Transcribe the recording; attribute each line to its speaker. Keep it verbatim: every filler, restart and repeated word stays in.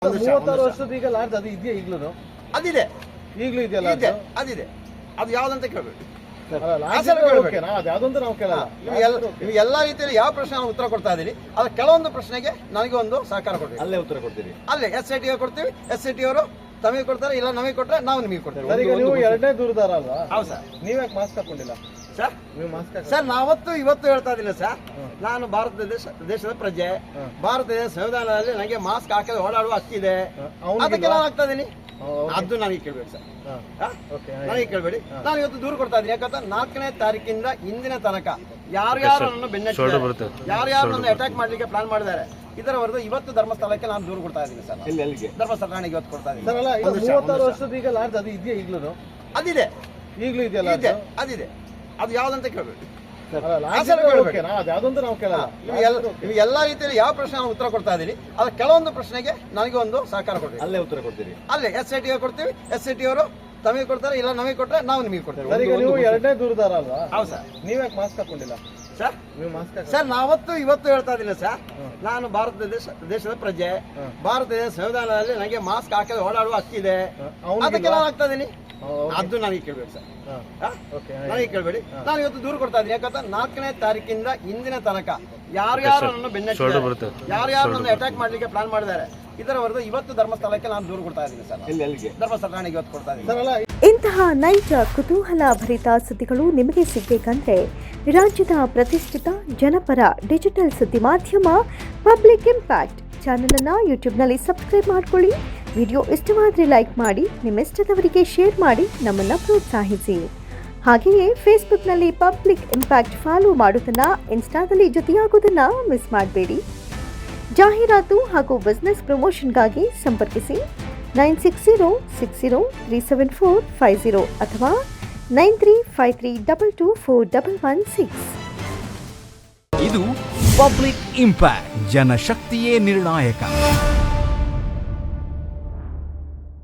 Speaker 1: ಮೂವತ್ತಾರು ವರ್ಷದ ಈಗ ಲಾಡ್ಜ್ ಅದು ಇದೆಯಾ ಈಗಲೂ?
Speaker 2: ಅದಿದೆ,
Speaker 1: ಈಗಲೂ ಇದೆಯಲ್ಲ
Speaker 2: ಇದೆ, ಅದಿದೆ. ಅದು ಯಾವ್ದಂತ ಕೇಳಬೇಕು.
Speaker 1: ಯಾವ್ದಂತ ನಾವು ಕೇಳಲ್ಲ.
Speaker 2: ನೀವು ಎಲ್ಲಾ ರೀತಿಯಲ್ಲಿ ಯಾವ ಪ್ರಶ್ನೆ ನಾವು ಉತ್ತರ ಕೊಡ್ತಾ ಇದೀರಿ, ಅದ್ರ ಕೆಲವೊಂದು ಪ್ರಶ್ನೆಗೆ ನನಗೆ ಒಂದು ಸಹಕಾರ ಕೊಡ್ತೀವಿ.
Speaker 1: ಅಲ್ಲೇ ಉತ್ತರ ಕೊಡ್ತೀರಿ.
Speaker 2: ಅಲ್ಲೇ ಎಸ್ ಐ ಟಿ ಕೊಡ್ತೀವಿ, ಎಸ್ ಐ ಟಿ ಅವರು ತಮಗೆ ಕೊಡ್ತಾರೆ, ಇಲ್ಲ ನಮಗೆ ಕೊಟ್ಟರೆ ನಾವು ನಿಮಗೆ ಕೊಡ್ತೇವೆ.
Speaker 1: ಸರ್, ಈಗ ನೀವು ಎರಡನೇ ದೂರದಾರ ಅಲ್ವಾ?
Speaker 2: ಹೌದು ಸರ್.
Speaker 1: ನೀವ್ಯಾಕೆ ಮಾಸ್ಕ್ ಹಾಕೊಂಡಿಲ್ಲ
Speaker 2: ಸರ್?
Speaker 1: ನೀವು ಮಾಸ್ಕ್
Speaker 2: ಸರ್, ನಾವತ್ತು ಇವತ್ತು ಹೇಳ್ತಾ ಇದ್ದೀನಿ ಸರ್, ನಾನು ಭಾರತ ದೇಶ ದೇಶದ ಪ್ರಜೆ, ಭಾರತ ದೇಶ ಸಂವಿಧಾನದಲ್ಲಿ ನನಗೆ ಮಾಸ್ಕ್ ಹಾಕದೆ ಓಡಾಡುವ ಹಕ್ಕಿದೆ, ಅದಕ್ಕೆ ನಾನು ಹಾಕ್ತಾ ಇದೀನಿ. ಅದು ನನಗೆ ಕೇಳ್ಬೇಡಿ ಸರ್, ನನಗೆ ಕೇಳಬೇಡಿ. ನಾನು ಇವತ್ತು ದೂರ ಕೊಡ್ತಾ ಇದ್ದೀನಿ. ಯಾಕಂದ್ರೆ ನಾಲ್ಕನೇ ತಾರೀಕಿಂದ ಇಂದಿನ ತನಕ ಯಾರ್ಯಾರು ನನ್ನ ಬೆನ್ನಟ್ಟಿದ್ದಾರೆ, ಯಾರ್ಯಾರು ನನ್ನ ಅಟ್ಯಾಕ್ ಮಾಡ್ಲಿಕ್ಕೆ ಪ್ಲಾನ್ ಮಾಡಿದ್ದಾರೆ, ಇದರ ವರೆಗೂ ಇವತ್ತು ಧರ್ಮಸ್ಥಳಕ್ಕೆ ನಾನು ದೂರ ಕೊಡ್ತಾ ಇದ್ದೀನಿ ಸರ್.
Speaker 1: ಎಲ್ಲಿಗೆ?
Speaker 2: ಧರ್ಮಸ್ಥಳ ಠಾಣೆಗೆ ಇವತ್ತು ಕೊಡ್ತಾ ಇದ್ದೀನಿ.
Speaker 1: ಮೂವತ್ತಾರು ವರ್ಷದ ಈಗ ಲಾಡ್ಜ್ ಅದು ಇದೆಯಾ ಈಗಲೂ?
Speaker 2: ಅದಿದೆ,
Speaker 1: ಈಗಲೂ ಇದೆಯಲ್ಲ?
Speaker 2: ಇದೆ, ಅದಿದೆ. ಅದು ಯಾವ್ದಂತ ಕೇಳಬೇಕು.
Speaker 1: ಯಾವ್ದಂತ ನಾವು ಕೇಳಲ್ಲ.
Speaker 2: ನೀವು ಎಲ್ಲಾ ರೀತಿಯಲ್ಲಿ ಯಾವ ಪ್ರಶ್ನೆ ನಾವು ಉತ್ತರ ಕೊಡ್ತಾ ಇದೀರಿ, ಅದ್ರ ಕೆಲವೊಂದು ಪ್ರಶ್ನೆಗೆ ನನಗೆ ಒಂದು ಸಹಕಾರ ಕೊಡ್ತೀವಿ.
Speaker 1: ಅಲ್ಲೇ ಉತ್ತರ ಕೊಡ್ತೀರಿ.
Speaker 2: ಅಲ್ಲೇ ಎಸ್ ಐ ಟಿ ಕೊಡ್ತೀವಿ, ಎಸ್ ಐ ಟಿ ಅವರು ತಮಗೆ ಕೊಡ್ತಾರೆ, ಇಲ್ಲ ನಮಗೆ ಕೊಟ್ಟರೆ ನಾವು ನಿಮಗೆ ಕೊಡ್ತೇವೆ.
Speaker 1: ಸರ್, ಈಗ ನೀವು ಎರಡನೇ ದೂರದಾರ ಅಲ್ವಾ?
Speaker 2: ಹೌದು ಸರ್.
Speaker 1: ನೀವ್ಯಾಕೆ ಮಾಸ್ಕ್ ಹಾಕೊಂಡಿಲ್ಲ
Speaker 2: ಸರ್?
Speaker 1: ನೀವು ಮಾಸ್ಕ್
Speaker 2: ಸರ್, ನಾವತ್ತು ಇವತ್ತು ಹೇಳ್ತಾ ಇದ್ದೀನಿ ಸರ್, ನಾನು ಭಾರತ ದೇಶ ದೇಶದ ಪ್ರಜೆ, ಭಾರತ ದೇಶ ಸಂವಿಧಾನದಲ್ಲಿ ನನಗೆ ಮಾಸ್ಕ್ ಹಾಕದೆ ಓಡಾಡುವ ಹಕ್ಕಿದೆ, ಅದಕ್ಕೆ ನಾನು ಹಾಕ್ತಾ ಇದೀನಿ. ಅದು ನನಗೆ ಕೇಳ್ಬೇಕು ಸರ್, ನನಗೆ ಕೇಳಬೇಡಿ. ನಾನು ಇವತ್ತು ದೂರ ಕೊಡ್ತಾ ಇದ್ದೀನಿ. ಯಾಕಂದ್ರೆ ನಾಲ್ಕನೇ ತಾರೀಕಿಂದ ಇಂದಿನ ತನಕ ಯಾರ್ಯಾರು ನನ್ನ ಬೆನ್ನಟ್ಟಿದ್ದಾರೆ, ಯಾರ್ಯಾರು ನನ್ನ ಅಟ್ಯಾಕ್ ಮಾಡ್ಲಿಕ್ಕೆ ಪ್ಲಾನ್ ಮಾಡಿದ್ದಾರೆ, ಇದರ ವರೆಗೂ ಇವತ್ತು ಧರ್ಮಸ್ಥಳಕ್ಕೆ ನಾನು ದೂರ ಕೊಡ್ತಾ ಇದ್ದೀನಿ ಸರ್.
Speaker 1: ಎಲ್ಲಿಗೆ?
Speaker 2: ಧರ್ಮಸ್ಥಳ ಠಾಣೆಗೆ ಇವತ್ತು ಕೊಡ್ತಾ ಇದ್ದೀನಿ.
Speaker 3: ಇಂತಹ ನೈಜ ಕುತೂಹಲ ಭರಿತ ಸುದ್ದಿಗಳು ನಿಮಗೆ ಸಿಗಬೇಕಂದ್ರೆ ರಾಜ್ಯದ ಪ್ರತಿಷ್ಠಿತ ಜನಪರ ಡಿಜಿಟಲ್ ಸುದ್ದಿ ಮಾಧ್ಯಮ ಪಬ್ಲಿಕ್ ಇಂಪ್ಯಾಕ್ಟ್ ಚಾನೆಲ್ ಅನ್ನು ಯೂಟ್ಯೂಬ್ನಲ್ಲಿ ಸಬ್ಸ್ಕ್ರೈಬ್ ಮಾಡ್ಕೊಳ್ಳಿ. ವಿಡಿಯೋ ಇಷ್ಟವಾದರೆ ಲೈಕ್ ಮಾಡಿ, ನಿಮ್ಮ ಇಷ್ಟದವರಿಗೆ ಶೇರ್ ಮಾಡಿ, ನಮ್ಮನ್ನು ಪ್ರೋತ್ಸಾಹಿಸಿ. ಹಾಗೆಯೇ ಫೇಸ್ಬುಕ್ನಲ್ಲಿ ಪಬ್ಲಿಕ್ ಇಂಪ್ಯಾಕ್ಟ್ ಫಾಲೋ ಮಾಡೋದನ್ನು, ಇನ್ಸ್ಟಾದಲ್ಲಿ ಜೊತೆಯಾಗೋದನ್ನು ಮಿಸ್ ಮಾಡಬೇಡಿ. ಜಾಹೀರಾತು ಹಾಗೂ ಬಿಸ್ನೆಸ್ ಪ್ರಮೋಷನ್ಗಾಗಿ ಸಂಪರ್ಕಿಸಿ nine six zero six zero three seven four five zero ಅಥವಾ nine three five three double two four double one six.
Speaker 4: ಇದು ಪಬ್ಲಿಕ್ ಇಂಪ್ಯಾಕ್ಟ್, ಜನಶಕ್ತಿಯೇ ನಿರ್ಣಾಯಕ.